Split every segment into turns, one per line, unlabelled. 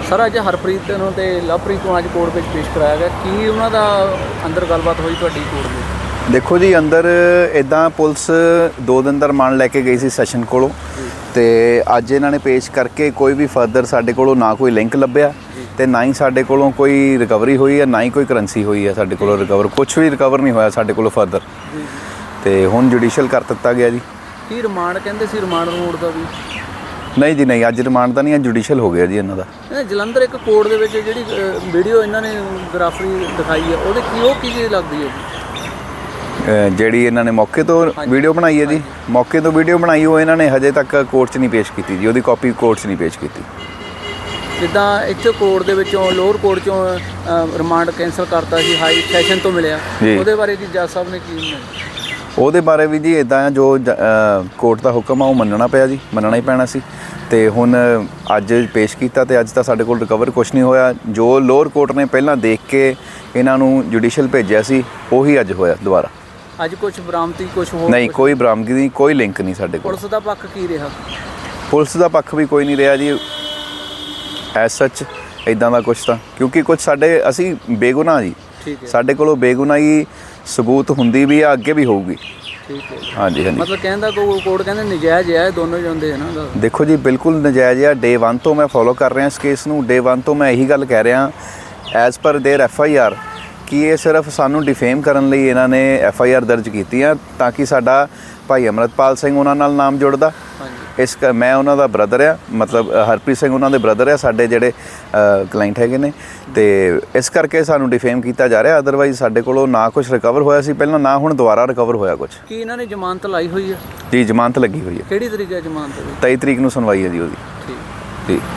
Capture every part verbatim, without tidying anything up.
Sir ਅੱਜ ਹਰਪ੍ਰੀਤ ਨੂੰ ਤੇ ਲਵਪ੍ਰੀਤ ਨੂੰ ਅੱਜ ਕੋਰਟ ਵਿੱਚ ਪੇਸ਼ ਕਰਾਇਆ ਗਿਆ। ਕੀ ਉਹਨਾਂ ਦਾ ਅੰਦਰ ਗੱਲਬਾਤ ਹੋਈ ਤੁਹਾਡੀ ਕੋਰਟ ਵਿੱਚ?
ਦੇਖੋ ਜੀ, ਅੰਦਰ ਇੱਦਾਂ ਪੁਲਿਸ ਦੋ ਦਿਨ ਦਾ ਰਿਮਾਂਡ ਲੈ ਕੇ ਗਈ ਸੀ ਸੈਸ਼ਨ ਕੋਲੋਂ, ਤੇ ਅੱਜ ਇਹਨਾਂ ਨੇ ਪੇਸ਼ ਕਰਕੇ ਕੋਈ ਵੀ ਫਰਦਰ ਸਾਡੇ ਕੋਲੋਂ ਨਾ ਕੋਈ ਲਿੰਕ ਲੱਭਿਆ ਤੇ ਨਾ ਹੀ ਸਾਡੇ ਕੋਲੋਂ ਕੋਈ ਰਿਕਵਰੀ ਹੋਈ ਹੈ, ਨਾ ਹੀ ਕੋਈ ਕਰੰਸੀ ਹੋਈ ਹੈ ਸਾਡੇ ਕੋਲੋਂ ਰਿਕਵਰ। ਕੁਝ ਵੀ ਰਿਕਵਰ ਨਹੀਂ ਹੋਇਆ ਸਾਡੇ ਕੋਲੋਂ ਫਰਦਰ, ਤੇ ਹੁਣ ਜੁਡੀਸ਼ੀਅਲ ਕਰ ਦਿੱਤਾ ਗਿਆ ਜੀ।
ਕੀ ਰਿਮਾਂਡ ਕਹਿੰਦੇ ਸੀ? ਰਿਮਾਂਡ ਰੋਡ ਦਾ ਵੀ
ਨਹੀਂ ਜੀ, ਨਹੀਂ, ਅੱਜ ਰਿਮਾਂਡ ਤਾਂ ਨਹੀਂ, ਜੁਡੀਸ਼ੀਅਲ ਹੋ ਗਿਆ ਜੀ ਇਹਨਾਂ ਦਾ।
ਇਹ ਜਲੰਧਰ ਇੱਕ ਕੋਰਟ ਦੇ ਵਿੱਚ ਜਿਹੜੀ ਵੀਡੀਓ ਇਹਨਾਂ ਨੇ ਗ੍ਰਾਫਰੀ ਦਿਖਾਈ ਹੈ, ਉਹਦੇ ਕੀ ਉਹ ਕੀ ਚੀਜ਼ ਲੱਗਦੀ ਹੈ ਜੀ?
ਜਿਹੜੀ ਇਹਨਾਂ ਨੇ ਮੌਕੇ ਤੋਂ ਵੀਡੀਓ ਬਣਾਈ ਹੈ ਜੀ, ਮੌਕੇ ਤੋਂ ਵੀਡੀਓ ਬਣਾਈ ਉਹ ਇਹਨਾਂ ਨੇ ਹਜੇ ਤੱਕ ਕੋਰਟ 'ਚ ਨਹੀਂ ਪੇਸ਼ ਕੀਤੀ ਜੀ, ਉਹਦੀ ਕਾਪੀ ਕੋਰਟ 'ਚ ਨਹੀਂ ਪੇਸ਼ ਕੀਤੀ।
ਜਿੱਦਾਂ ਇੱਥੇ ਕੋਰਟ ਦੇ ਵਿੱਚੋਂ ਲੋਅਰ ਕੋਰਟ 'ਚੋਂ ਰਿਮਾਂਡ ਕੈਂਸਲ ਕਰਤਾ ਸੀ, ਹਾਈ ਸੈਸ਼ਨ ਤੋਂ ਮਿਲਿਆ, ਉਹਦੇ ਬਾਰੇ ਜੀ ਜੱਜ ਸਾਹਿਬ ਨੇ ਕੀ?
ਉਹਦੇ ਬਾਰੇ ਵੀ ਜੀ ਇੱਦਾਂ ਆ, ਜੋ ਕੋਰਟ ਦਾ ਹੁਕਮ ਆ ਉਹ ਮੰਨਣਾ ਪਿਆ ਜੀ, ਮੰਨਣਾ ਹੀ ਪੈਣਾ ਸੀ। ਤੇ ਹੁਣ ਅੱਜ ਪੇਸ਼ ਕੀਤਾ ਤੇ ਅੱਜ ਤਾਂ ਸਾਡੇ ਕੋਲ ਰਿਕਵਰ ਕੁਛ ਨਹੀਂ ਹੋਇਆ। ਜੋ ਲੋਅਰ ਕੋਰਟ ਨੇ ਪਹਿਲਾਂ ਦੇਖ ਕੇ ਇਹਨਾਂ ਨੂੰ ਜੁਡੀਸ਼ੀਅਲ ਭੇਜਿਆ ਸੀ, ਉਹੀ ਅੱਜ ਹੋਇਆ ਦੁਬਾਰਾ।
ਅੱਜ ਕੁਝ ਬਰਾਮਦੀ ਕੁਝ ਹੋਰ
ਨਹੀਂ, ਕੋਈ ਬਰਾਮਦਗੀ ਨਹੀਂ, ਕੋਈ ਲਿੰਕ ਨਹੀਂ ਸਾਡੇ ਕੋਲ।
ਪੁਲਿਸ ਦਾ ਪੱਖ ਕੀ ਰਿਹਾ?
ਪੁਲਿਸ ਦਾ ਪੱਖ ਵੀ ਕੋਈ ਨਹੀਂ ਰਿਹਾ ਜੀ ਐਸ ਸੱਚ ਇੱਦਾਂ ਦਾ ਕੁਛ ਤਾਂ, ਕਿਉਂਕਿ ਕੁਛ ਸਾਡੇ ਅਸੀਂ ਬੇਗੁਨਾਹ ਜੀ, ਸਾਡੇ ਕੋਲੋਂ ਬੇਗੁਨਾਹੀ ਸਬੂਤ ਹੁੰਦੀ ਵੀ ਆ, ਅੱਗੇ ਵੀ ਹੋਊਗੀ।
ਠੀਕ ਹੈ,
ਹਾਂਜੀ ਹਾਂਜੀ।
ਮਤਲਬ ਕਹਿੰਦਾ ਕੋਈ ਕੋਰਟ ਕਹਿੰਦੇ ਨਜਾਇਜ਼ ਹੈ, ਦੋਨੋਂ ਜਾਂਦੇ ਹੈ ਨਾ?
ਦੇਖੋ ਜੀ, ਬਿਲਕੁਲ ਨਜਾਇਜ਼ ਆ। ਡੇ ਵਨ ਤੋਂ ਮੈਂ ਫੋਲੋ ਕਰ ਰਿਹਾ ਇਸ ਕੇਸ ਨੂੰ। ਡੇ ਵਨ ਤੋਂ ਮੈਂ ਇਹੀ ਗੱਲ ਕਹਿ ਰਿਹਾ as per there F I R ਕਿ ਇਹ ਸਿਰਫ ਸਾਨੂੰ ਡਿਫੇਮ ਕਰਨ ਲਈ ਇਹਨਾਂ ਨੇ ਐਫ ਆਈ ਆਰ ਦਰਜ ਕੀਤੀ ਆ, ਤਾਂ ਕਿ ਸਾਡਾ ਭਾਈ ਅਮਰਤਪਾਲ ਸਿੰਘ ਉਹਨਾਂ ਨਾਲ ਨਾਮ ਜੁੜਦਾ। ਇਸ ਮੈਂ ਉਹਨਾਂ ਦਾ ਬ੍ਰਦਰ ਆ, ਮਤਲਬ ਹਰਪ੍ਰੀਤ ਸਿੰਘ ਉਹਨਾਂ ਦੇ ਬ੍ਰਦਰ ਆ, ਸਾਡੇ ਜਿਹੜੇ ਕਲਾਇੰਟ ਹੈਗੇ ਨੇ, ਤੇ ਇਸ ਕਰਕੇ ਸਾਨੂੰ ਡਿਫੇਮ ਕੀਤਾ ਜਾ ਰਿਹਾ। ਅਦਰਵਾਈਜ਼ ਸਾਡੇ ਕੋਲੋਂ ਨਾ ਕੁਝ ਰਿਕਵਰ ਹੋਇਆ ਸੀ ਪਹਿਲਾਂ, ਨਾ ਹੁਣ ਦੁਬਾਰਾ ਰਿਕਵਰ ਹੋਇਆ ਕੁਝ।
ਕੀ ਇਹਨਾਂ ਨੇ ਜ਼ਮਾਨਤ ਲਾਈ ਹੋਈ ਹੈ?
ਜੀ, ਜ਼ਮਾਨਤ ਲੱਗੀ ਹੋਈ ਹੈ।
ਕਿਹੜੀ ਤਰੀਕ ਹੈ ਜ਼ਮਾਨਤ ਦੀ?
ਤੇਈ ਤਰੀਕ ਨੂੰ ਸੁਣਵਾਈ ਹੈ ਜੀ ਉਹਦੀ।
ਠੀਕ
ਜੀ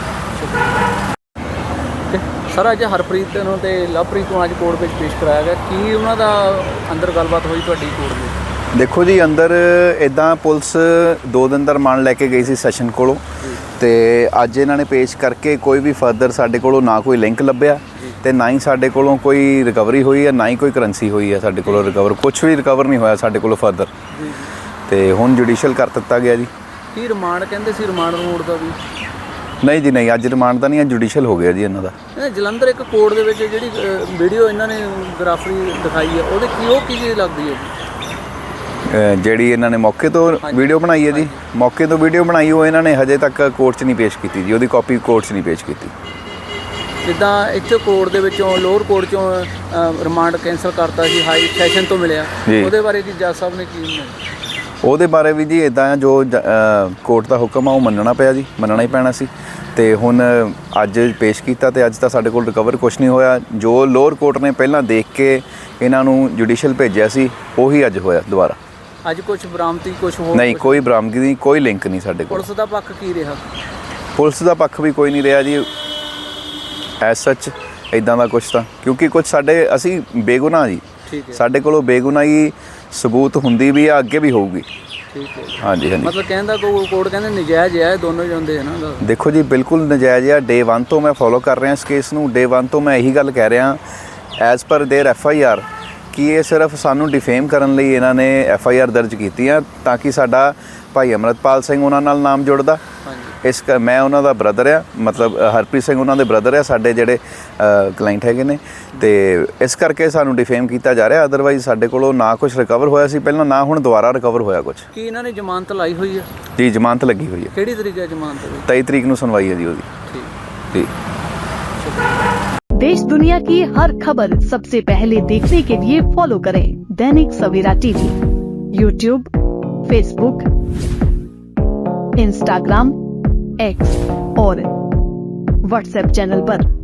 ਸਰ, ਅੱਜ ਹਰਪ੍ਰੀਤ ਨੂੰ ਤੇ ਲਵਪ੍ਰੀਤ ਨੂੰ ਅੱਜ ਕੋਰਟ ਵਿੱਚ ਪੇਸ਼ ਕਰਾਇਆ ਗਿਆ। ਕੀ ਉਹਨਾਂ ਦਾ ਅੰਦਰ ਗੱਲਬਾਤ ਹੋਈ ਤੁਹਾਡੀ ਕੋਰਟ ਵਿੱਚ?
ਦੇਖੋ ਜੀ, ਅੰਦਰ ਇੱਦਾਂ ਪੁਲਿਸ ਦੋ ਦਿਨ ਦਾ ਰਿਮਾਂਡ ਲੈ ਕੇ ਗਈ ਸੀ ਸੈਸ਼ਨ ਕੋਲੋਂ, ਤੇ ਅੱਜ ਇਹਨਾਂ ਨੇ ਪੇਸ਼ ਕਰਕੇ ਕੋਈ ਵੀ ਫਰਦਰ ਸਾਡੇ ਕੋਲੋਂ ਨਾ ਕੋਈ ਲਿੰਕ ਲੱਭਿਆ ਤੇ ਨਾ ਹੀ ਸਾਡੇ ਕੋਲੋਂ ਕੋਈ ਰਿਕਵਰੀ ਹੋਈ ਹੈ, ਨਾ ਹੀ ਕੋਈ ਕਰੰਸੀ ਹੋਈ ਹੈ ਸਾਡੇ ਕੋਲੋਂ ਰਿਕਵਰ। ਕੁਝ ਵੀ ਰਿਕਵਰ ਨਹੀਂ ਹੋਇਆ ਸਾਡੇ ਕੋਲੋਂ ਫਰਦਰ, ਤੇ ਹੁਣ ਜੁਡੀਸ਼ੀਅਲ ਕਰ ਦਿੱਤਾ ਗਿਆ ਜੀ।
ਕੀ ਰਿਮਾਂਡ ਕਹਿੰਦੇ ਸੀ? ਰਿਮਾਂਡ ਰੋਡ ਦਾ ਵੀ
ਨਹੀਂ ਜੀ, ਨਹੀਂ, ਅੱਜ ਰਿਮਾਂਡ ਤਾਂ ਨਹੀਂ, ਜੁਡੀਸ਼ੀਅਲ ਹੋ ਗਿਆ ਜੀ ਇਹਨਾਂ ਦਾ।
ਇਹ ਜਲੰਧਰ ਇੱਕ ਕੋਰਟ ਦੇ ਵਿੱਚ ਜਿਹੜੀ ਵੀਡੀਓ ਇਹਨਾਂ ਨੇ ਗ੍ਰਾਫਰੀ ਦਿਖਾਈ ਹੈ, ਉਹਦੇ ਕੀ ਉਹ ਕੀ ਚੀਜ਼ ਲੱਗਦੀ ਹੈ ਜੀ?
ਜਿਹੜੀ ਇਹਨਾਂ ਨੇ ਮੌਕੇ ਤੋਂ ਵੀਡੀਓ ਬਣਾਈ ਹੈ ਜੀ, ਮੌਕੇ ਤੋਂ ਵੀਡੀਓ ਬਣਾਈ ਉਹ ਇਹਨਾਂ ਨੇ ਹਜੇ ਤੱਕ ਕੋਰਟ 'ਚ ਨਹੀਂ ਪੇਸ਼ ਕੀਤੀ ਜੀ, ਉਹਦੀ ਕਾਪੀ ਕੋਰਟ 'ਚ ਨਹੀਂ ਪੇਸ਼ ਕੀਤੀ।
ਜਿੱਦਾਂ ਇੱਥੇ ਕੋਰਟ ਦੇ ਵਿੱਚੋਂ ਲੋਅਰ ਕੋਰਟ 'ਚੋਂ ਰਿਮਾਂਡ ਕੈਂਸਲ ਕਰਤਾ ਸੀ, ਹਾਈ ਸੈਸ਼ਨ ਤੋਂ ਮਿਲਿਆ, ਉਹਦੇ ਬਾਰੇ ਜੀ ਜੱਜ ਸਾਹਿਬ ਨੇ ਕੀ?
ਉਹਦੇ ਬਾਰੇ ਵੀ ਜੀ ਇੱਦਾਂ ਆ, ਜੋ ਕੋਰਟ ਦਾ ਹੁਕਮ ਆ ਉਹ ਮੰਨਣਾ ਪਿਆ ਜੀ, ਮੰਨਣਾ ਹੀ ਪੈਣਾ ਸੀ। ਤੇ ਹੁਣ ਅੱਜ ਪੇਸ਼ ਕੀਤਾ ਤੇ ਅੱਜ ਤਾਂ ਸਾਡੇ ਕੋਲ ਰਿਕਵਰ ਕੁਛ ਨਹੀਂ ਹੋਇਆ। ਜੋ ਲੋਅਰ ਕੋਰਟ ਨੇ ਪਹਿਲਾਂ ਦੇਖ ਕੇ ਇਹਨਾਂ ਨੂੰ ਜੁਡੀਸ਼ੀਅਲ ਭੇਜਿਆ ਸੀ, ਉਹੀ ਅੱਜ ਹੋਇਆ ਦੁਬਾਰਾ।
ਅੱਜ ਕੁਝ ਬਰਾਮਦੀ ਕੁਝ ਹੋਰ
ਨਹੀਂ, ਕੋਈ ਬਰਾਮਦਗੀ ਨਹੀਂ, ਕੋਈ ਲਿੰਕ ਨਹੀਂ ਸਾਡੇ ਕੋਲ।
ਪੁਲਿਸ ਦਾ ਪੱਖ ਕੀ ਰਿਹਾ?
ਪੁਲਿਸ ਦਾ ਪੱਖ ਵੀ ਕੋਈ ਨਹੀਂ ਰਿਹਾ ਜੀ ਐਸ ਸੱਚ ਇੱਦਾਂ ਦਾ ਕੁਛ ਤਾਂ, ਕਿਉਂਕਿ ਕੁਛ ਸਾਡੇ ਅਸੀਂ ਬੇਗੁਨਾਹ ਜੀ, ਸਾਡੇ ਕੋਲੋਂ ਬੇਗੁਨਾਹੀ ਸਬੂਤ ਹੁੰਦੀ ਵੀ ਆ, ਅੱਗੇ ਵੀ ਹੋਊਗੀ।
ਠੀਕ ਹੈ, ਹਾਂਜੀ
ਹਾਂਜੀ।
ਮਤਲਬ ਕਹਿੰਦਾ ਕੋਈ ਕੋਰਟ ਕਹਿੰਦੇ ਨਜਾਇਜ਼ ਹੈ, ਦੋਨੋਂ ਜਾਂਦੇ ਹੈ ਨਾ?
ਦੇਖੋ ਜੀ, ਬਿਲਕੁਲ ਨਜਾਇਜ਼ ਆ। ਡੇ ਵਨ ਤੋਂ ਮੈਂ ਫੋਲੋ ਕਰ ਰਿਹਾ ਇਸ ਕੇਸ ਨੂੰ। ਡੇ ਵਨ ਤੋਂ ਮੈਂ ਇਹੀ ਗੱਲ ਕਹਿ ਰਿਹਾ as per there F I R ਕਿ ਇਹ ਸਿਰਫ ਸਾਨੂੰ ਡਿਫੇਮ ਕਰਨ ਲਈ ਇਹਨਾਂ ਨੇ ਐਫ ਆਈ ਆਰ ਦਰਜ ਕੀਤੀ ਆ, ਤਾਂ ਕਿ ਸਾਡਾ ਭਾਈ ਅਮਰਤਪਾਲ ਸਿੰਘ ਉਹਨਾਂ ਨਾਲ ਨਾਮ ਜੁੜਦਾ। ਇਸ ਮੈਂ ਉਹਨਾਂ ਦਾ ਬ੍ਰਦਰ ਆ, ਮਤਲਬ ਹਰਪ੍ਰੀਤ ਸਿੰਘ ਉਹਨਾਂ ਦੇ ਬ੍ਰਦਰ ਆ, ਸਾਡੇ ਜਿਹੜੇ ਕਲਾਇੰਟ ਹੈਗੇ ਨੇ, ਤੇ ਇਸ ਕਰਕੇ ਸਾਨੂੰ ਡਿਫੇਮ ਕੀਤਾ ਜਾ ਰਿਹਾ। ਅਦਰਵਾਈਜ਼ ਸਾਡੇ ਕੋਲੋਂ ਨਾ ਕੁਝ ਰਿਕਵਰ ਹੋਇਆ ਸੀ ਪਹਿਲਾਂ, ਨਾ ਹੁਣ ਦੁਬਾਰਾ ਰਿਕਵਰ ਹੋਇਆ ਕੁਝ।
ਕੀ ਇਹਨਾਂ ਨੇ ਜ਼ਮਾਨਤ ਲਾਈ ਹੋਈ ਹੈ?
ਜੀ, ਜ਼ਮਾਨਤ ਲੱਗੀ ਹੋਈ ਹੈ।
ਕਿਹੜੀ ਤਰੀਕ ਹੈ ਜ਼ਮਾਨਤ ਦੀ?
ਤੇਈ ਤਰੀਕ ਨੂੰ ਸੁਣਵਾਈ ਹੈ ਜੀ ਉਹਦੀ।
ਠੀਕ
ਜੀ।
देश दुनिया की हर खबर सबसे पहले देखने के लिए फॉलो करें Dainik Savera TV, YouTube, Facebook, Instagram, X और व्हाट्सएप चैनल पर।